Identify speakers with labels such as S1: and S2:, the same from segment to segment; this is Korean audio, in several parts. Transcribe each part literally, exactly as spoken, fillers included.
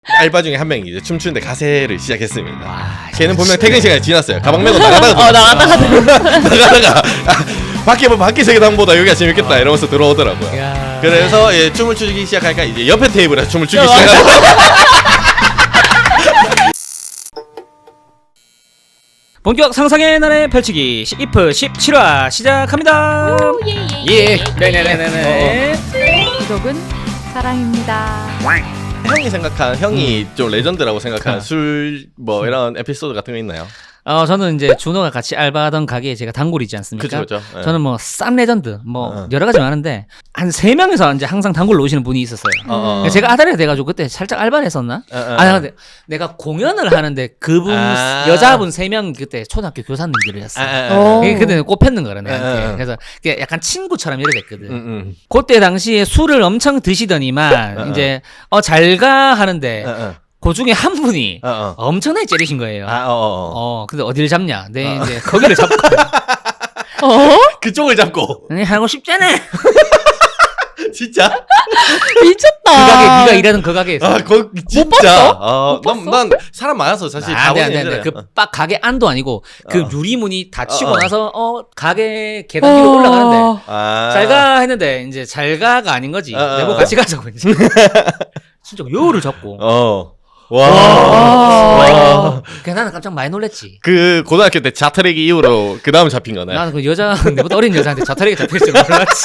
S1: 알바 중에 한 명이 이제 춤추는데 가세를 시작했습니다.
S2: 와,
S1: 걔는 분명 퇴근 시간이 지났어요. 가방 메고 나가다가
S3: 어 나갔다가
S1: 나가다가 아, 밖에 뭐 밖에 세계당보다 여기가 재밌겠다 이러면서 들어오더라고요.
S2: 야.
S1: 그래서 예, 춤을 추기 시작하니까 이제 옆에 테이블에서 춤을 추기 시작하고
S2: 본격 상상의 나래 펼치기 이프 십칠 화 시작합니다.
S3: 예예.
S2: 예. 네네네네.
S3: 구독은 사랑입니다.
S1: 형이 생각한 형이
S2: 음.
S1: 좀 레전드라고 생각하는
S2: 그.
S1: 술 뭐 이런 에피소드 같은 거 있나요?
S2: 어 저는 이제 준호가 같이 알바하던 가게에 제가 단골이 있지 않습니까?
S1: 그죠 그죠. 예.
S2: 저는 뭐 쌈 레전드 뭐
S1: 어.
S2: 여러 가지 많은데 한 세 명이서 이제 항상 단골로 오시는 분이 있었어요.
S1: 어, 어.
S2: 제가 아다리가 돼가지고 그때 살짝 알바를 했었나?
S1: 어, 어.
S2: 아 근데 내가 공연을 하는데 그분
S1: 아.
S2: 여자분 세 명 그때 초등학교 교사님들이었어.
S1: 아, 아, 아.
S3: 어.
S2: 그게 그때 꼽혔는 거라 내한테.
S1: 아, 아.
S2: 그래서 그게 약간 친구처럼 이래 됐거든.
S1: 음, 음.
S2: 그때 당시에 술을 엄청 드시더니만
S1: 어, 어.
S2: 이제 어 잘 가 하는데
S1: 어, 어.
S2: 그 중에 한 분이
S1: 어, 어.
S2: 엄청나게 째리신 거예요.
S1: 아, 어, 어, 어.
S2: 어 근데 어디를 잡냐? 네 이제 거기를 잡고
S3: 어?
S1: 그쪽을 잡고
S2: 아니 하고 싶잖아.
S1: 진짜?
S3: 미쳤다.
S2: 그 가게 네가 일하는 그 가게에서.
S1: 아, 거 진짜.
S3: 봤어?
S1: 아,
S3: 못 봤어?
S1: 난, 난 사람 많아서 사실
S2: 아, 네,
S1: 가보긴
S2: 네, 네.
S1: 했잖아요.
S2: 그 빡 가게 안도 아니고 그
S1: 어.
S2: 유리문이 닫히고
S1: 어, 어.
S2: 나서 어 가게 계단 위로 올라가는데
S1: 아.
S2: 잘가 했는데 이제 잘가가 아닌 거지.
S1: 어, 어,
S2: 내보
S1: 어.
S2: 같이 가자고 이제. 진짜 요를 잡고.
S1: 어. 와.
S3: 와.
S1: 와.
S2: 그냥 나는 깜짝 많이 놀랬지.
S1: 그 고등학교 때 자터레기 이후로 그 다음 잡힌 거네.
S2: 나는 그 여자 내보다 어린 여자한테 자타리게 잡힐 줄 몰랐지.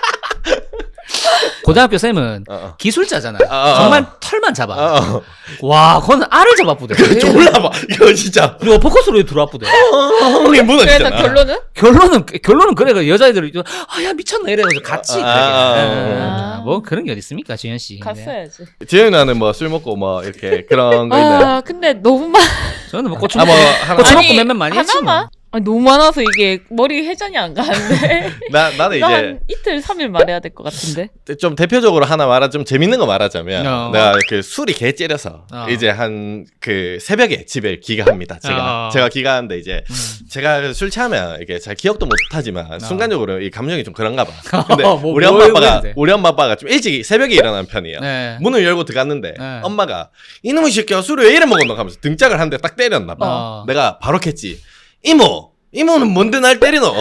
S2: 고등학교 쌤은
S1: 어, 어.
S2: 기술자잖아.
S1: 어, 어.
S2: 정말 털만 잡아.
S1: 어, 어.
S2: 와, 그건 알을 잡아부대.
S1: 졸라봐. 이거 진짜.
S2: 그리고 포커스로 들어와부대.
S1: 형님
S3: 그래서
S1: 무너지잖아.
S3: 결론은?
S2: 결론은 결론은 그래. 그 여자애들이 아야 미쳤나 이래가지고 같이.
S1: 아,
S2: 그래.
S1: 아,
S2: 예,
S3: 아.
S2: 예. 뭐 그런 게 어디 있습니까, 지현 씨. 네.
S3: 갔어야지.
S1: 지현이 나는 뭐 술 먹고 뭐 이렇게 그런 거 있나요?
S3: 아 근데 너무 많.
S2: 저는 뭐 고추
S1: 아,
S2: 먹고
S1: 뭐 하나.
S2: 고추
S3: 아니,
S2: 먹고 몇몇 많이 했지. 뭐.
S3: 하나만? 아니, 너무 많아서 이게 머리 회전이 안 가는데.
S1: 나 나는
S3: 이거
S1: 이제
S3: 한 이틀 삼일 말해야 될 것 같은데.
S1: 좀 대표적으로 하나 말하 좀 재밌는 거 말하자면
S2: 어.
S1: 내가 그 술이 개 째려서
S2: 어.
S1: 이제 한 그 새벽에 집에 귀가합니다. 제가
S2: 어.
S1: 제가 귀가하는데 이제
S2: 음.
S1: 제가 술 취하면 이게 잘 기억도 못 하지만
S2: 어.
S1: 순간적으로 이 감정이 좀 그런가 봐. 근데
S2: 뭐,
S1: 우리
S2: 뭐
S1: 엄마 아빠가
S2: 했는데?
S1: 우리 엄마 아빠가 좀 일찍 새벽에 일어나는 편이에요.
S2: 네.
S1: 문을 열고 들어갔는데
S2: 네.
S1: 엄마가 이놈의 새끼야 술을 왜 이래 먹었노 하면서 등짝을 한 대 딱 때렸나 봐.
S2: 어.
S1: 내가 바로 캤지. 이모 이모는 뭔데 날 때리노?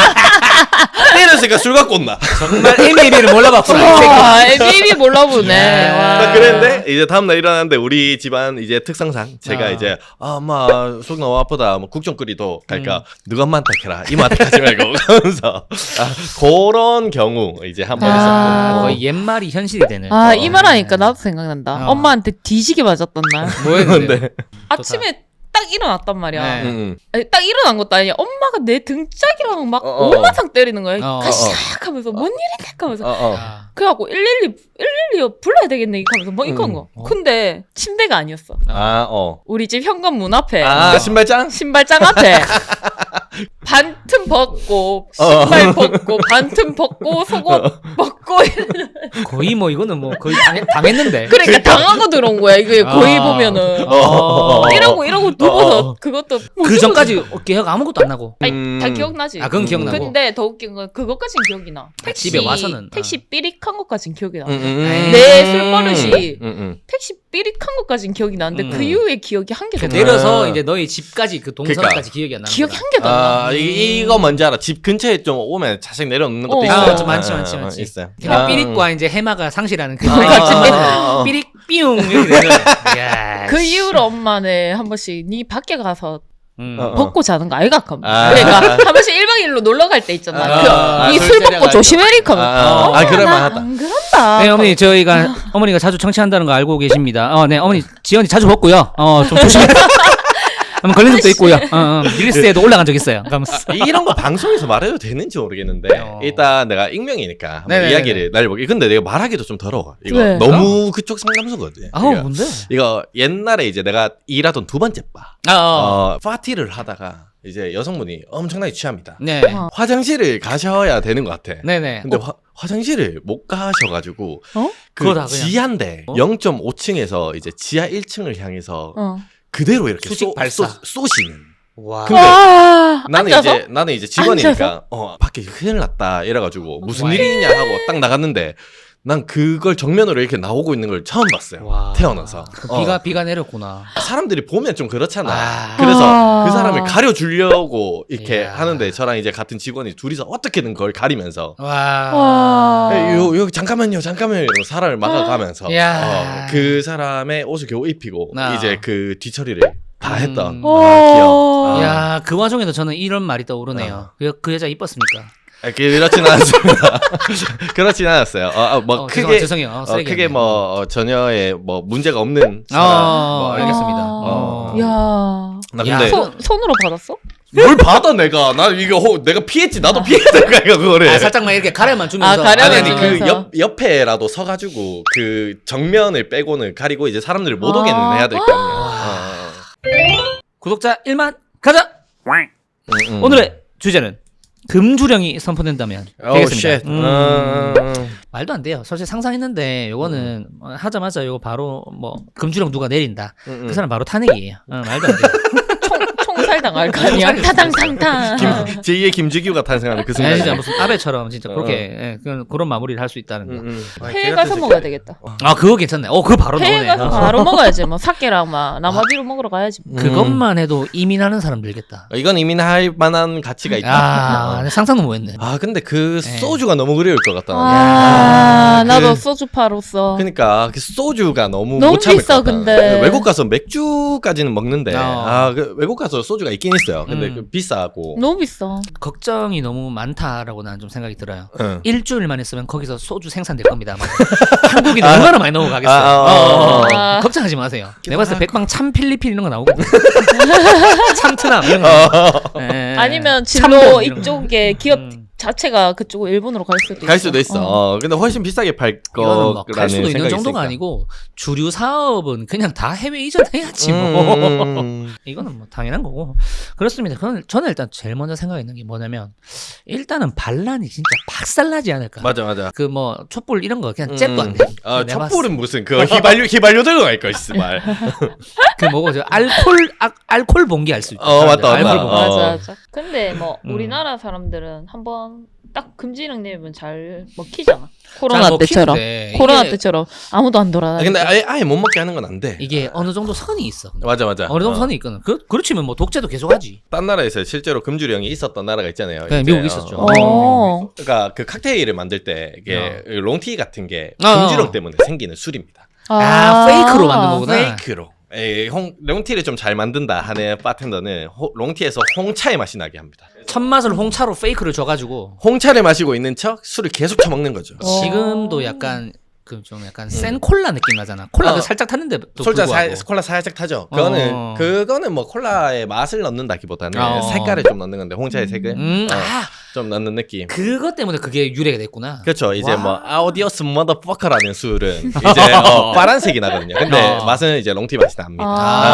S1: 때렸으니까 술 갖고 온나.
S2: 정말 에미리를 몰라봤구나. 이 새끼.
S3: 와, 엠비비 몰라보네.
S2: 네.
S3: 와.
S1: 딱 그랬는데 이제 다음날 일어났는데 우리 집안 이제 특성상 제가
S2: 아.
S1: 이제 아 엄마 속 너무 아프다 뭐 국 좀 끓이도 갈까 누가 엄마한테 해라 이모한테 하지 말고 하면서 아, 그런 경우 이제 한 번
S3: 아.
S1: 있었고
S2: 거의 옛말이 현실이 되는.
S3: 아,
S1: 어.
S3: 이 말하니까 나도 생각난다.
S2: 어.
S3: 엄마한테 뒤지게 맞았던 날.
S2: 뭐였는데?
S1: 근데
S3: 아침에 딱 일어났단 말이야.
S2: 네.
S1: 음, 음.
S3: 아니, 딱 일어난 것도 아니야. 엄마가 내 등짝이랑 막
S1: 어, 어,
S3: 오마상 때리는 거야.
S2: 어, 어,
S3: 가시작 하면서 뭔 일이냐 하면서.
S1: 어, 어.
S2: 아.
S3: 그래갖고 일일이 일일이 불러야 되겠네 이거 하면서 뭐 이건
S1: 음.
S3: 거.
S2: 어.
S3: 근데 침대가 아니었어.
S1: 아, 어.
S3: 우리 집 현관문 앞에
S1: 아, 신발장?
S3: 신발장 앞에 반틈 벗고 신발 벗고 반틈 벗고 속옷 벗고
S2: 거의 뭐 이거는 뭐 거의 당했, 당했는데.
S3: 그러니까 당하고 들어온 거야. 이게 거의
S2: 아.
S3: 보면은
S2: 어.
S3: 이러고 이러고 누워서
S1: 어.
S3: 그것도 뭐
S2: 그 전까지 기억 아무것도 안 나고.
S3: 아니,
S1: 음.
S3: 다 기억나지.
S2: 아 그건 기억나고.
S3: 근데 더 웃긴 건 그것까진 기억이 나. 택시
S2: 집에 와서는,
S3: 택시
S2: 어.
S3: 삐릭한 것까진 기억이 나.
S1: 음, 음, 음.
S3: 내 술버릇이
S1: 음, 음.
S3: 택시 삐릭한 것까진 기억이 나는데
S2: 음.
S3: 그 이후에 기억이 한 개도
S2: 그
S3: 없어.
S2: 내려서
S1: 아.
S2: 이제 너희 집까지 그 동선까지
S1: 그러니까.
S2: 기억이 안 나.
S3: 기억이 한 개도 안 나.
S1: 아, 이, 이거 뭔지 알아. 집 근처에 좀 오면 자식 내려놓는 것도
S3: 어.
S1: 있어요.
S2: 아, 좀 많지,
S1: 아,
S2: 많지,
S1: 아,
S2: 많지.
S1: 있어요.
S2: 그냥
S1: 아.
S2: 삐릭과 이제 해마가 상실하는 그
S1: 아,
S2: 같이
S1: 아, 아, 아.
S2: 삐릭 삐용 이렇게 되는. 이야,
S3: 그
S2: 씨.
S3: 이후로 엄마는 한 번씩 니 밖에 가서
S2: 음.
S1: 어.
S3: 벗고 자는 거 아이가 하면
S1: 아.
S3: 그러니까 한 번씩 일박 이일로 놀러 갈 때 있잖아.
S2: 아,
S3: 그,
S1: 술
S3: 니술
S1: 때려가지고.
S3: 먹고 조심해리 하면
S1: 아,
S3: 어,
S1: 아, 그럴
S3: 나
S1: 만하다.
S3: 안 그런다.
S2: 네 어머니 저희가 어머니가 자주 청취한다는 거 알고 계십니다. 어, 네 어머니 지연이 자주 벗고요. 어, 좀 조심해. 한번 걸린 적도 있고요. 어, 어, 릴스에도 올라간 적 있어요. 그러면서.
S1: 이런 거 방송에서 말해도 되는지 모르겠는데
S2: 어.
S1: 일단 내가 익명이니까 한번
S2: 네네네네.
S1: 이야기를 날려볼게. 근데 내가 말하기도 좀 더러워. 이거
S3: 왜?
S1: 너무 그쪽 상담소거든.
S2: 아우
S1: 이거,
S2: 뭔데?
S1: 이거 옛날에 이제 내가 일하던 두 번째 바
S2: 아, 어.
S1: 어, 파티를 하다가 이제 여성분이 엄청나게 취합니다.
S2: 네.
S3: 어.
S1: 화장실을 가셔야 되는 것 같아.
S2: 네네.
S1: 근데
S2: 어,
S1: 화, 화장실을 못 가셔가지고
S3: 어?
S1: 그
S2: 그거다, 그냥.
S1: 지하인데
S2: 어?
S1: 영 점 오 층에서 이제 지하 일 층을 향해서
S3: 어.
S1: 그대로 이렇게
S2: 수직
S1: 쏘,
S2: 발사.
S1: 쏘, 쏘시는.
S2: 와.
S1: 근데
S3: 아,
S1: 나는
S3: 앉아서?
S1: 이제 나는 이제 직원이니까
S3: 앉아서?
S1: 어 밖에 큰일 났다 이래가지고 무슨
S3: 와.
S1: 일이냐 하고 딱 나갔는데 난 그걸 정면으로 이렇게 나오고 있는 걸 처음 봤어요.
S2: 와.
S1: 태어나서. 어.
S2: 비가 비가 내렸구나.
S1: 사람들이 보면 좀 그렇잖아.
S2: 아.
S1: 그래서
S3: 아.
S1: 그 사람을 가려주려고 이렇게
S2: 이야.
S1: 하는데 저랑 이제 같은 직원이 둘이서 어떻게든 그걸 가리면서
S2: 와.
S3: 와.
S1: 에, 요, 요, 잠깐만요, 잠깐만요. 이러고 사람을 막아가면서
S2: 이야.
S1: 어, 그 사람의 옷을 겨우 입히고
S2: 아.
S1: 이제 그 뒤처리를 다
S2: 음.
S1: 했던
S2: 음.
S1: 아, 기억. 아.
S2: 야, 그 와중에도 저는 이런 말이 떠오르네요. 그, 그 여자 이뻤습니까?
S1: 아, 그렇진 않았습니다. 그렇진 않았어요. 어, 어, 뭐
S2: 어,
S1: 크게
S2: 죄송해요. 어,
S1: 어,
S2: 쓰레기
S1: 크게
S2: 아니에요.
S1: 뭐 어, 전혀의 뭐 문제가 없는 사람.
S2: 어,
S1: 뭐,
S2: 알겠습니다.
S1: 어.
S3: 야.
S1: 나
S2: 야.
S1: 근데
S3: 손 손으로 받았어?
S1: 뭘 받아 내가 나 이거 호, 내가 피했지 나도 피했다니까 이거 그거를.
S2: 아, 살짝만 이렇게 가려만 주면서.
S3: 아, 가려만
S1: 아니 아니 그
S3: 주면서.
S1: 옆 옆에라도 서가지고 그 정면을 빼고는 가리고 이제 사람들을 못 오게는
S3: 아.
S1: 해야 될 거 아니야.
S2: 구독자 일만 가자.
S1: 음, 음.
S2: 오늘의 주제는 금주령이 선포된다면
S1: 오,
S2: 되겠습니다.
S1: 쉣.
S2: 음,
S1: 음, 음.
S2: 말도 안 돼요. 솔직히 상상했는데 요거는 어, 하자마자 요거 바로 뭐 금주령 누가 내린다.
S1: 음, 음.
S2: 그 사람 바로 탄핵이에요. 어, 말도 안 돼요.
S3: 총 총살 당할 거 아니야.
S2: 총살
S3: 타당탕탕.
S1: 김, 제이의 김주기가 탄생하는 그
S2: 아,
S1: 순간.
S2: 진짜 무슨 아베처럼 진짜
S1: 어.
S2: 그렇게 예, 그런, 그런 마무리를 할 수 있다는 거.
S1: 음, 음. 아,
S3: 해외
S1: 걔
S3: 가서
S1: 같은
S3: 먹어야
S1: 새끼.
S3: 되겠다.
S2: 아 그거 괜찮네. 어 그거 바로
S3: 해외
S2: 나오네.
S3: 가서
S2: 어.
S3: 바로 먹어야지. 뭐 사케랑 막 나마비로 먹으러 가야지. 뭐.
S2: 그것만 해도 이민하는 사람 들겠다.
S1: 어, 이건 이민할 만한 가치가 있다.
S2: 아 상상도 못했네.
S1: 아 근데 그
S2: 네.
S1: 소주가 너무 그리울 것 같다. 나는.
S3: 아,
S1: 야,
S3: 나도
S1: 그-
S3: 소주파로서.
S1: 그러니까 그 소주가 너무
S3: 너무
S1: 못 참을
S3: 비싸,
S1: 것 같다.
S3: 근데.
S1: 외국 가서 맥주까지는 먹는데
S2: 어.
S1: 아 그 외국 가서 소주가 있긴 있어요. 근데
S2: 음.
S1: 그 비싸고.
S3: 너무 비싸.
S2: 걱정이 너무 많다라고 나는 좀 생각이 들어요.
S1: 응.
S2: 일주일만 있으면 거기서 소주 생산될 겁니다. 아마. 한국인 얼마나 많이 넘어가겠어요.
S1: 아, 아,
S2: 어, 어, 어.
S3: 아.
S2: 걱정하지 마세요. 내가 봤을 때
S1: 하고.
S2: 백방 참 필리핀 이런 거 나오거든. 참트남 이런 거. 예.
S3: 아니면
S2: 참돔
S3: 진로
S2: 이런 거.
S3: 이쪽에 기업
S2: 음.
S3: 자체가 그쪽으로 일본으로 갈 수도 있어.
S1: 갈 수도 있어.
S3: 어.
S1: 어. 근데 훨씬 비싸게 팔
S2: 이거는
S1: 거라는
S2: 뭐갈 수도 있는
S1: 생각이
S2: 정도가
S1: 있으니까.
S2: 아니고 주류 사업은 그냥 다 해외 이전해야지 뭐.
S1: 음.
S2: 이거는 뭐 당연한 거고 그렇습니다. 그건 저는 일단 제일 먼저 생각했는 게 뭐냐면 일단은 반란이 진짜 박살나지 않을까.
S1: 맞아 맞아.
S2: 그 뭐 촛불 이런 거 그냥
S1: 음.
S2: 잽도 안 돼.
S1: 아
S2: 내가
S1: 촛불은 무슨 그 휘발유 휘발유 들고 갈 거 있어 말.
S2: 그 뭐고 저 알콜 아, 알콜 봉기 알 수 있다.
S1: 어, 맞다,
S2: 알콜
S1: 맞다.
S2: 봉기.
S1: 어.
S3: 맞아, 맞아. 근데 뭐
S2: 음.
S3: 우리나라 사람들은 한번 딱 금지령 내면 잘 먹히잖아.
S2: 잘
S3: 코로나 때처럼.
S2: 먹히는데
S3: 코로나
S2: 이게-
S3: 때처럼 아무도 안
S1: 아,
S3: 돌아다니고.
S1: 근데 아예 아예 못 먹게 하는 건 안 돼.
S2: 이게 어느 정도 선이 있어.
S1: 맞아 맞아.
S2: 어느 정도
S1: 어.
S2: 선이 있거든. 그 그렇지면 뭐 독재도 계속하지.
S1: 딴 나라에서 실제로 금주령이 있었던 나라가 있잖아요.
S2: 네,
S1: 이제,
S2: 미국 있었죠.
S1: 어.
S3: 어.
S1: 그러니까 그 칵테일을 만들 때 이게 롱티 같은 게
S2: 어.
S1: 금주령 때문에 생기는 술입니다.
S2: 아, 페이크로 만든 거구나.
S1: 페이크로. 에이, 홍, 롱티를 좀 잘 만든다 하는 바텐더는 호, 롱티에서 홍차의 맛이 나게 합니다.
S2: 첫 맛을 홍차로 페이크를 줘가지고
S1: 홍차를 마시고 있는 척 술을 계속 처먹는 거죠.
S3: 어.
S2: 지금도 약간 그 좀 약간 센 콜라 느낌 나잖아. 콜라도
S1: 어.
S2: 살짝 탔는데 또
S1: 솔자
S2: 불구하고.
S1: 콜라 살짝 타죠. 그거는
S2: 어.
S1: 그거는 뭐 콜라의 맛을 넣는다기보다는
S2: 어.
S1: 색깔을 좀 넣는 건데 홍차의 색을
S2: 음,
S1: 어,
S2: 아
S1: 좀 넣는 느낌.
S2: 그것 때문에 그게 유래가 됐구나.
S1: 그렇죠. 이제
S2: 와.
S1: 뭐 아우디오스 머더퍼커라는 술은 이제 어, 파란색이 나거든요. 근데
S2: 어.
S1: 맛은 이제 롱티 맛이 납니다.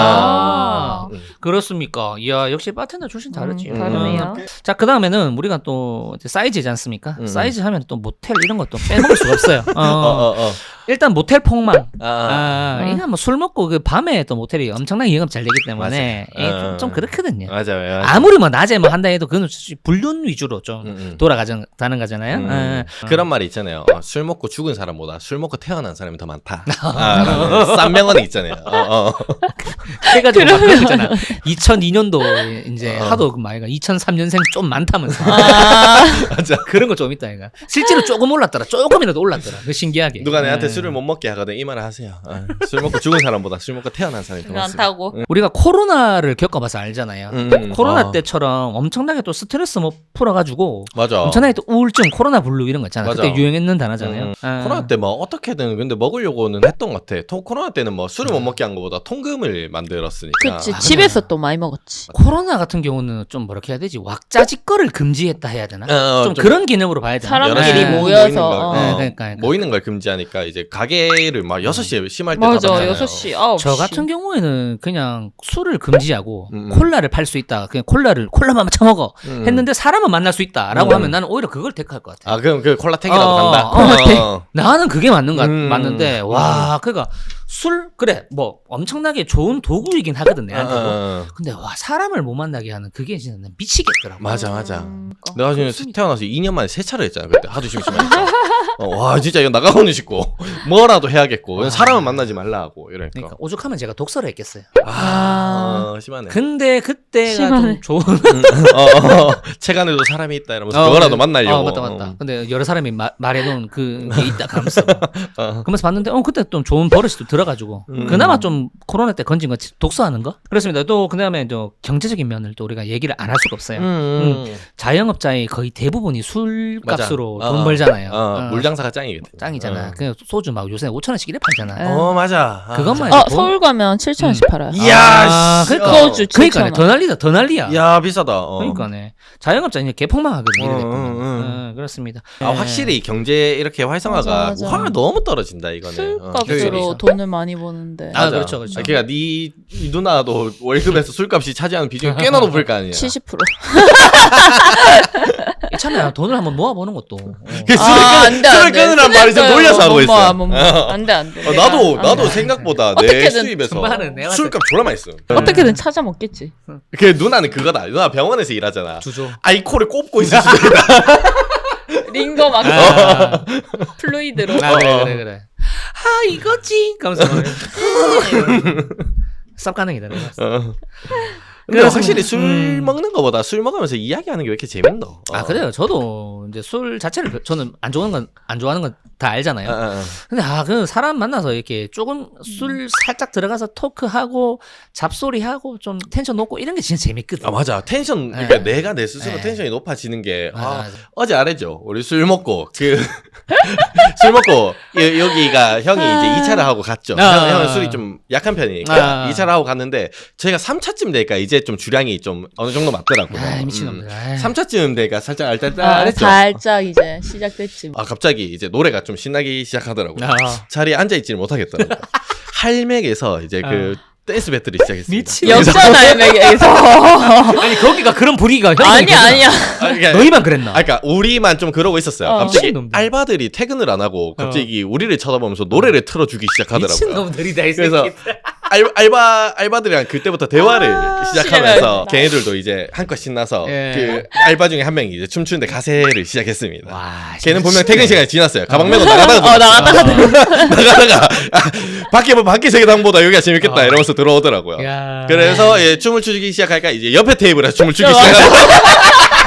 S3: 아.
S1: 음.
S2: 그렇습니까? 이야 역시 바텐더 출신 다르지.
S3: 음, 다르네요.
S2: 자, 그 다음에는 우리가 또 이제 사이즈지 않습니까?
S1: 음.
S2: 사이즈 하면 또 모텔 이런 것도 빼먹을 수가 없어요. 어,
S1: 어, 어, 어.
S2: 일단 모텔 폭망.
S1: 아, 아.
S2: 아,
S3: 음.
S2: 이건 뭐 술 먹고 그 밤에 또 모텔이 엄청나게 영업 잘 되기 때문에
S1: 맞아요.
S2: 예, 좀,
S1: 어.
S2: 좀 그렇거든요.
S1: 맞아요. 맞아요.
S2: 아무리 뭐 낮에 뭐 한다 해도 그건 불륜 위주로 좀
S1: 음, 음.
S2: 돌아가자는 거잖아요.
S1: 음.
S2: 예.
S1: 그런 말이 있잖아요. 어, 술 먹고 죽은 사람보다 술 먹고 태어난 사람이 더 많다. 아, 라는 싼 명언이 있잖아요. 어, 어.
S2: 해가지고 막 그런 거 있잖아. 이천이 년도에 이제
S1: 어.
S2: 하도 그 말이가 이천삼 년생 좀 많다면서
S3: 아.
S1: 맞아.
S2: 그런 거 좀 있다 이가. 실제로 조금 올랐더라. 조금이라도 올랐더라. 그 신기하게.
S1: 누가 내한테
S2: 예.
S1: 술을 못 먹게 하거든 이 말을 하세요. 아, 술 먹고 죽은 사람보다 술 먹고 태어난 사람이 더
S3: 그거 안
S1: 많습니다.
S3: 타고.
S2: 우리가 코로나를 겪어봐서 알잖아요.
S1: 음, 음.
S2: 코로나
S1: 어.
S2: 때처럼 엄청나게 또 스트레스 뭐 풀어가지고
S1: 맞아.
S2: 엄청나게 또 우울증, 코로나 블루 이런 거 있잖아.
S1: 맞아.
S2: 그때 유행했는 단어잖아요.
S1: 음.
S2: 아.
S1: 코로나 때 뭐 어떻게든 근데 먹으려고는 했던 것 같아. 토, 코로나 때는 뭐 술을 못 먹게 한 것보다 통금을 만들었으니까.
S3: 그치. 집에서 또 많이 먹었지.
S2: 코로나 같은 경우는 좀 뭐렇게 해야 되지? 왁자지껄을 금지했다 해야 되나?
S1: 어,
S2: 좀,
S1: 좀
S2: 그런 개념으로 봐야 되나?
S3: 사람끼리
S1: 여러
S3: 모여서,
S1: 모이는 걸,
S3: 어.
S2: 네, 그러니까, 그러니까.
S1: 모이는 걸 금지하니까 이제 가게를 막 여섯 시에 심할 때
S3: 맞아.
S1: 닫았잖아요.
S3: 여섯 시, 아홉 시.
S2: 저 같은 경우에는 그냥 술을 금지하고
S1: 음.
S2: 콜라를 팔 수 있다. 그냥 콜라를 콜라만 처먹어
S1: 음.
S2: 했는데 사람은 만날 수 있다라고
S1: 음.
S2: 하면 나는 오히려 그걸 택할 것 같아.
S1: 아 그럼 그 콜라텍이라도
S2: 어,
S1: 간다.
S2: 콜라텍.
S1: 어.
S2: 나는 그게 맞는 거
S1: 음.
S2: 맞는데 와 그러니까 술 그래 뭐 엄청나게 좋은 도구이긴 하거든 내한테도.
S1: 어,
S2: 근데 와 사람을 못 만나게 하는 그게 진짜 난 미치겠더라고.
S1: 맞아 맞아.
S3: 음,
S1: 내가 지금
S2: 그렇습니다.
S1: 태어나서 이 년 만에 세 차를 했잖아. 그때 하도 심심하니까. 어, 와 진짜 이거 나가고는 싶고 뭐라도 해야겠고
S2: 아.
S1: 사람을 만나지 말라 하고 이러니까.
S2: 그러니까 오죽하면 제가 독서를 했겠어요.
S1: 아, 어, 심하네.
S2: 근데 그때가
S3: 심하네.
S2: 좀 좋은.
S1: 어, 어, 책 안에도 사람이 있다 이러면서 그거라도 만나려고.
S2: 어, 맞다 맞다. 근데 여러 사람이 마, 말해놓은 그게 있다 하면서
S1: 어.
S2: 그러면서 봤는데 어 그때 좀 좋은 버릇이 또 들어가지고
S1: 음.
S2: 그나마 좀 코로나 때 건진 거 독서하는 거 그렇습니다. 또 그다음에 또 경제적인 면을 또 우리가 얘기를 안 할 수가 없어요.
S1: 음, 음.
S2: 자영업자의 거의 대부분이 술값으로
S1: 맞아.
S2: 돈
S1: 어,
S2: 벌잖아요.
S1: 어,
S2: 어,
S1: 물장사가 짱이거든.
S2: 짱이잖아.
S1: 어.
S2: 그냥 소주 막 요새 오천 원씩 이래 팔잖아.
S3: 네.
S1: 어 맞아. 아,
S2: 그것만
S3: 어
S2: 해도 돈-
S3: 서울 가면 칠천 원씩 팔아요.
S1: 이야,
S2: 아,
S1: 씨.
S2: 그러니까.
S3: 소주 칠천
S2: 그러니까네
S3: 원.
S2: 더 난리다 더 난리야.
S1: 야 비싸다. 어.
S2: 그러니까네 자영업자 이제 개폭망하거든 이래
S1: 어,
S2: 됐구만.
S1: 어, 어.
S2: 어, 그렇습니다.
S1: 아
S2: 예.
S1: 확실히 경제 이렇게 활성화가
S3: 맞아, 맞아.
S1: 확 너무 떨어진다 이거는.
S3: 술값으로
S1: 어,
S3: 돈을 많이 버는데
S2: 아, 그렇죠, 그렇죠.
S1: 아, 그러니까 네, 이 누나도 월급에서 술값이 차지하는 비중이 꽤나 높을 거 아니야.
S3: 칠십 퍼센트.
S2: 이참에 돈을 한번 모아보는 것도. 어.
S1: 그 술을,
S3: 아,
S1: 끊, 술을 끊으란 말이 좀 놀려서 하고 있어.
S3: 안돼 안돼.
S1: 어, 나도 나도 생각보다 내
S3: 어떻게든
S1: 수입에서
S2: 금방은 내가
S1: 술값 졸라 많이 써.
S3: 어떻게든 찾아 먹겠지.
S1: 그 누나는 그거다. 누나 병원에서 일하잖아.
S2: 주조.
S1: 아이코를 꼽고 있을 수도 있다.
S3: 링거 막
S2: 아,
S3: 플루이드로.
S2: 아 그래 그래 그래. 아 이거지. 가면서 쌉 가능이다. 내가.
S1: 어. 근데
S2: 그래서-
S1: 확실히 술
S2: 음.
S1: 먹는 거보다 술 먹으면서 이야기하는 게 왜 이렇게 재밌노? 어.
S2: 아 그래요. 저도 이제 술 자체를 별- 저는 안 좋아하는 건 안 좋아하는 건 다 알잖아요.
S1: 아, 아, 아.
S2: 근데 아 그 사람 만나서 이렇게 조금 술 살짝 들어가서 토크하고 잡소리하고 좀 텐션 높고 이런 게 진짜 재밌거든.
S1: 아 맞아 텐션 그러니까
S2: 네.
S1: 내가 내 스스로
S2: 네.
S1: 텐션이 높아지는 게
S2: 맞아,
S1: 아,
S2: 맞아.
S1: 어제 알았죠 우리 술 먹고 그 술 먹고 여, 여기가 형이 이제 이 차를 하고 갔죠.
S2: 아.
S1: 형, 형은 술이 좀 약한 편이니까
S2: 아.
S1: 이 차를 하고 갔는데 저희가 삼 차쯤 되니까 이제 좀 주량이 좀 어느 정도 맞더라고요.
S2: 아 미친놈들. 아이.
S1: 삼 차쯤 되니까 살짝
S3: 아,
S1: 알딸딸했죠.
S3: 살짝 이제 시작됐지.
S1: 아 갑자기 이제 노래가 좀 신나기 시작하더라고요.
S2: 아.
S1: 자리에 앉아 있지를 못하겠더라고요. 할맥에서 이제 그 댄스 배틀이 시작했습니다.
S2: 미친.
S3: 역전 할맥에서.
S2: 아니 거기가 그런 분위기가
S3: 아니 아니야.
S1: 아, 그러니까,
S2: 너희만 그랬나?
S1: 아, 그러니까 우리만 좀 그러고 있었어요.
S3: 어.
S1: 갑자기
S2: 미친놈들.
S1: 알바들이 퇴근을 안 하고 갑자기 우리를 쳐다보면서 노래를 틀어주기 시작하더라고요.
S2: 미친놈들이다 이
S1: 그래서
S2: 새끼.
S1: 알, 알바 알바들이랑 그때부터 대화를
S2: 아,
S1: 시작하면서
S3: 시작하겠다.
S1: 걔네들도 이제 한껏 신나서
S2: 예.
S1: 그 알바 중에 한 명이 이제 춤추는데 가세를 시작했습니다.
S2: 와.
S1: 걔는 분명
S2: 진짜
S1: 퇴근 시간이 지났어요. 가방 메고 나가다가
S3: 어 나갔다가
S1: 나가다가 아, 밖에 뭐 밖에 세계당보다 여기가 재밌겠다
S2: 어.
S1: 이러면서 들어오더라고요.
S2: 야.
S1: 그래서 예, 춤을 추기 시작하니까 이제 옆에 테이블에서 춤을 추기 시작하더라고요.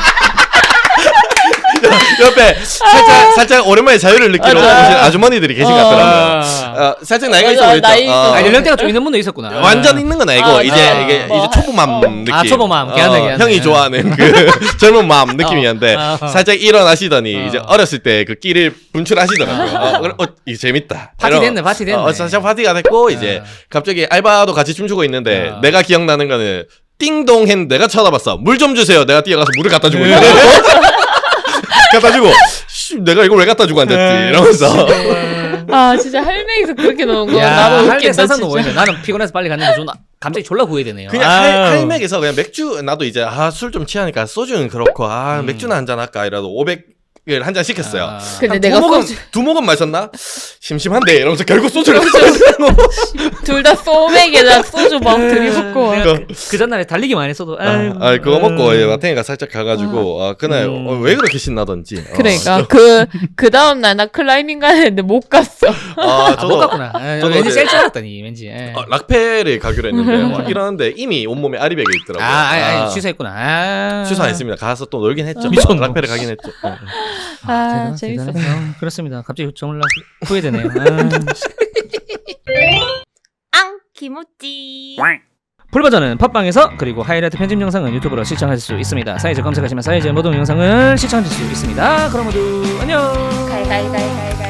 S1: 옆에 살짝 살짝 오랜만에 자유를 느끼러
S3: 맞아.
S1: 오신 아주머니들이 계신 것 같더라고요.
S2: 아.
S1: 어, 살짝 나이가 있어
S3: 맞아,
S1: 보였죠.
S3: 나이 있어.
S1: 어.
S2: 아 연령대가 좀 있는 분도 있었구나.
S1: 완전 있는 건 아니고
S3: 아,
S1: 이제
S3: 아,
S1: 이게
S3: 뭐,
S1: 이제 초보맘
S3: 어.
S1: 느낌.
S2: 아, 초보맘. 걔한테, 걔한테.
S1: 형이 좋아하는 그 젊은 마음 느낌이었는데
S2: 어, 어.
S1: 살짝 일어나시더니
S2: 어.
S1: 이제 어렸을 때 그 끼를 분출하시더라고요. 어, 그래, 어, 이게 재밌다.
S2: 파티
S1: 이런-
S2: 됐네, 파티 됐네.
S1: 어, 살짝 파티가 됐고 이제
S2: 어.
S1: 갑자기 알바도 같이 춤추고 있는데
S2: 어.
S1: 내가 기억나는 거는 띵동 했는데 내가 쳐다봤어. 물 좀 주세요. 내가 뛰어가서 물을 갖다 주고 있는데 갖다 주고 씨, 내가 이걸 왜 갖다 주고 앉았지 이러면서
S3: 아 진짜 할맥에서 그렇게 노는 거
S2: 야,
S3: 나도
S2: 할매
S3: 웃긴다
S2: 상상도
S3: 진짜.
S2: 보이네. 나는 피곤해서 빨리 갔는데 좀 갑자기 졸라 후회되네요.
S1: 그냥
S2: 아유.
S1: 할, 할맥에서 그냥 맥주 나도 이제 아 술 좀 취하니까 소주는 그렇고 아
S2: 음.
S1: 맥주나 한잔 할까 이라도 오백을 한 잔 시켰어요.
S2: 아.
S3: 근데
S1: 한
S3: 내가
S1: 두 모금,
S3: 소주
S1: 두 모금 마셨나? 심심한데 이러면서 결국 소주를
S3: 둘 다 소맥에다 소주 막 들이붓고 와.
S2: 내가 그, 그 전날에 달리기 많이 했어도 아유.
S1: 아, 그거 먹고
S2: 아유.
S1: 이제 마탱이가 살짝 가가지고 아, 그날
S2: 음.
S1: 어, 왜 그렇게 신나던지 어.
S3: 그러니까 그 그 다음 날 나 클라이밍 가는데 못 갔어.
S1: 아,
S2: 아,
S1: 저도
S2: 못 갔구나. 아,
S1: 저도
S2: 왠지
S1: 어제-
S2: 셀줄 알았더니 왠지. 예.
S1: 어, 락페를 가기로 했는데 와, 이러는데 이미 온몸에 아리백이
S2: 아,
S1: 있더라고요.
S2: 아니, 아니,
S1: 아,
S2: 취소했구나. 아.
S1: 취소 안 했습니다. 가서 또 놀긴 했죠.
S2: 미쳤노.
S1: 락페를 가긴 했죠. 어.
S3: 아
S2: 대단,
S3: 재밌었어.
S2: 대단해. 어, 그렇습니다. 갑자기 정말 후회되네요. 아.
S4: 앙 김우찌
S2: 풀버전은 팟빵에서 그리고 하이라이트 편집 영상은 유튜브로 시청하실 수 있습니다. 사이즈 검색하시면 사이즈의 모든 영상을 시청하실 수 있습니다. 그럼 모두 안녕.
S4: 갈갈갈갈갈